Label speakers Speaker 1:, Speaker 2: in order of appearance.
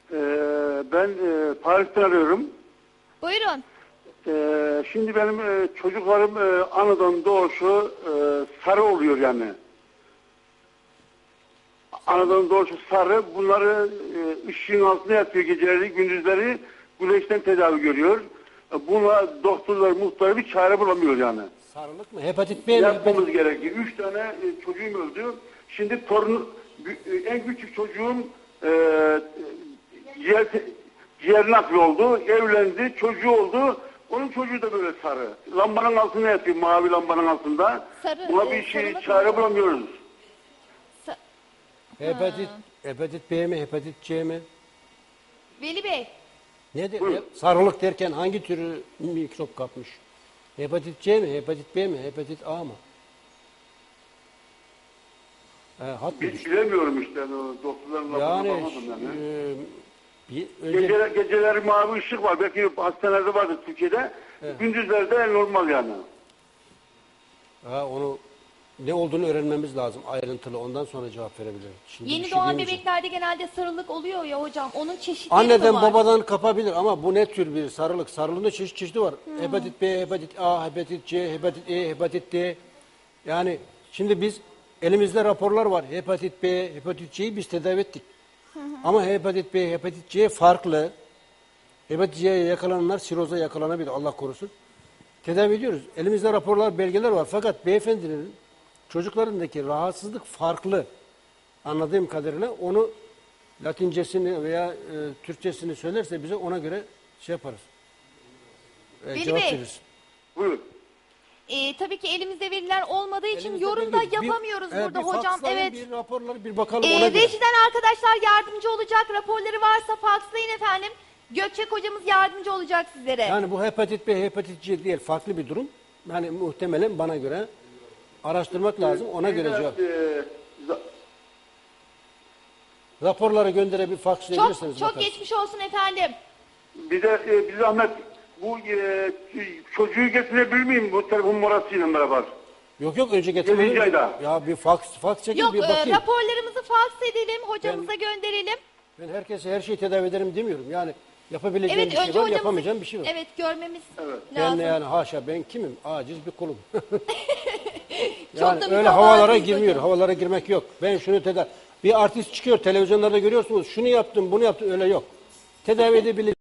Speaker 1: Ben Paris'ten arıyorum.
Speaker 2: Buyurun.
Speaker 1: Şimdi benim çocuklarım anadan doğuşu sarı oluyor yani. Anadan doğuşu sarı. Bunları ışığın altına yatıyor geceleri, gündüzleri güneşten tedavi görüyor. Buna doktorlar, muhtarı bir çare bulamıyor yani.
Speaker 3: Sarılık mı? Hepatit B mi?
Speaker 1: Yapmamız gerekiyor. 3 tane çocuğum öldü. Şimdi en küçük çocuğum ciğer nakli oldu. Evlendi. Çocuğu oldu. Onun çocuğu da böyle sarı. Lambanın altına yatıyor. Mavi lambanın altında.
Speaker 2: Sarı,
Speaker 1: buna bir çare bulamıyoruz.
Speaker 3: Hepatit B mi? Hepatit C mi?
Speaker 2: Veli Bey.
Speaker 3: Nedir? Sarılık derken hangi türü mikrop kapmış? Hepatit C mi? Hepatit B mi? Hepatit A mı?
Speaker 1: Bilemiyorum işte. Doktorların lafına bakmadım yani. Geceleri mavi ışık var. Belki hastanelerde vardır Türkiye'de. Evet. Gündüzlerde normal yani.
Speaker 3: Onu ne olduğunu öğrenmemiz lazım ayrıntılı. Ondan sonra cevap verebilirim. Şimdi
Speaker 2: Yeni doğan bebeklerde genelde sarılık oluyor ya hocam. Onun çeşitleri
Speaker 3: anneden
Speaker 2: var.
Speaker 3: babadan kapabilir ama bu ne tür bir sarılık? Sarılığın da çeşitli var. Hepatit B, hepatit A, hepatit C, hepatit E, hepatit D. Yani şimdi biz elimizde raporlar var. Hepatit B, hepatit C'yi biz tedavi ettik. Ama hepatit B, hepatit C farklı. Hepatit C'ye yakalananlar siroza yakalanabilir. Allah korusun. Tedavi ediyoruz. Elimizde raporlar, belgeler var. Fakat beyefendinin çocuklarındaki rahatsızlık farklı. Anladığım kadarıyla onu Latincesini veya Türkçesini söylerse bize ona göre şey yaparız. Cevap veririz.
Speaker 1: Buyurun.
Speaker 2: Tabii ki elimizde veriler olmadığı için yorum da yapamıyoruz burada hocam. Evet.
Speaker 3: Bir raporları bir bakalım ona göre.
Speaker 2: Rejiden arkadaşlar yardımcı olacak. Raporları varsa fakslayın efendim. Gökçek hocamız yardımcı olacak sizlere.
Speaker 3: Yani bu hepatit B, hepatit C değil. Farklı bir durum. Yani muhtemelen bana göre araştırmak lazım. Ona göre cevap. Raporları gönderebilir, fakslayabilirsiniz.
Speaker 2: Çok geçmiş olsun efendim.
Speaker 1: Bir de bir zahmet bu çocuğu getirebilir miyim bu telefon numarasıyla beraber?
Speaker 3: Yok önce getirelim. Ya bir faks çekin
Speaker 2: Yok,
Speaker 3: bir bakayım.
Speaker 2: raporlarımızı faks edelim, hocamıza gönderelim.
Speaker 3: Ben herkese her şeyi tedavi ederim demiyorum. Yani yapabileceğim bir şey var, yapamayacağım bir şey var.
Speaker 2: Evet, görmemiz
Speaker 3: Ben
Speaker 2: lazım.
Speaker 3: yani haşa ben kimim? Aciz bir kulum.
Speaker 2: Çok da
Speaker 3: öyle havalara girmiyor.
Speaker 2: hocam.
Speaker 3: Havalara girmek yok. Ben şunu tedavi... Bir artist çıkıyor televizyonlarda görüyorsunuz. Şunu yaptım, bunu yaptım. Öyle yok. Tedavi edebilir.